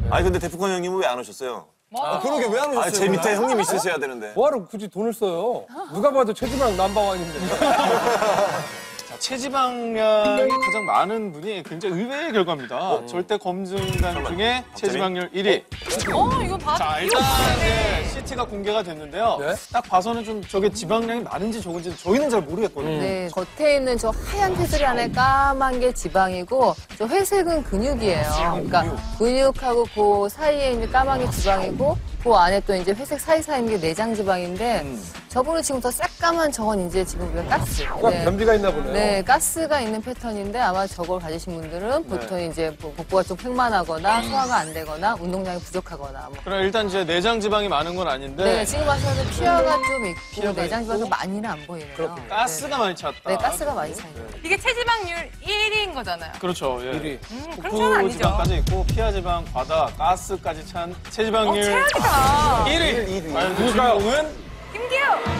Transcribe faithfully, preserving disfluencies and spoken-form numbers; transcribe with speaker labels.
Speaker 1: 아니 근데 데프콘 형님은 왜 안 오셨어요?
Speaker 2: 아, 그러게 왜 안 오셨어요?
Speaker 1: 아, 제 밑에 형님 있으셔야 되는데.
Speaker 3: 뭐하러 굳이 돈을 써요? 누가 봐도 체지방 넘버원인데.
Speaker 4: 체지방량이 가장 많은 분이 굉장히 의외의 결과입니다. 어? 절대 검증단 중에 체지방률 일 위.
Speaker 5: 어, 이거 봐.
Speaker 4: 자, 일단 이제 씨티가 공개가 됐는데요.
Speaker 3: 네?
Speaker 4: 딱 봐서는 좀 저게 지방량이 많은지 적은지 저희는 잘 모르겠거든요.
Speaker 5: 네, 겉에 있는 저 하얀 테두리 안에 까만 게 지방이고 저 회색은 근육이에요. 그러니까 근육하고 그 사이에 있는 까만 게 지방이고 그 안에 또 이제 회색 사이사이 있는 게 내장 지방인데 저분은 지금 더 새까만 저건 이제 지금 우리가 가스.
Speaker 3: 뭔가 변비가 있나 보네요.
Speaker 5: 네, 가스가 있는 패턴인데 아마 저걸 가지신 분들은 보통 이제 뭐 복부가 좀 팽만하거나 소화가 안 되거나 운동량이 부족하거나 뭐.
Speaker 4: 그럼 일단 이제 내장 지방이 많은 건 아닌데
Speaker 5: 네, 지금 봐서는 피하가 좀 있고
Speaker 4: 피하가
Speaker 5: 내장 지방도
Speaker 4: 있고.
Speaker 5: 많이는 안 보이네요.
Speaker 3: 그렇군요.
Speaker 4: 가스가 많이 찼다.
Speaker 5: 네, 가스가 많이 차요.
Speaker 6: 이게 체지방률 일 위인 거잖아요.
Speaker 4: 그렇죠. 예.
Speaker 3: 일 위.
Speaker 6: 음, 그럼
Speaker 4: 복부
Speaker 6: 저는 아니죠.
Speaker 4: 지방까지 있고 피하 지방, 과다, 가스까지 찬
Speaker 6: 어,
Speaker 4: 체지방률
Speaker 6: 최악이다.
Speaker 4: 일 위. 과연 그
Speaker 3: 누굴까요?
Speaker 4: 주인공은
Speaker 6: 김기우!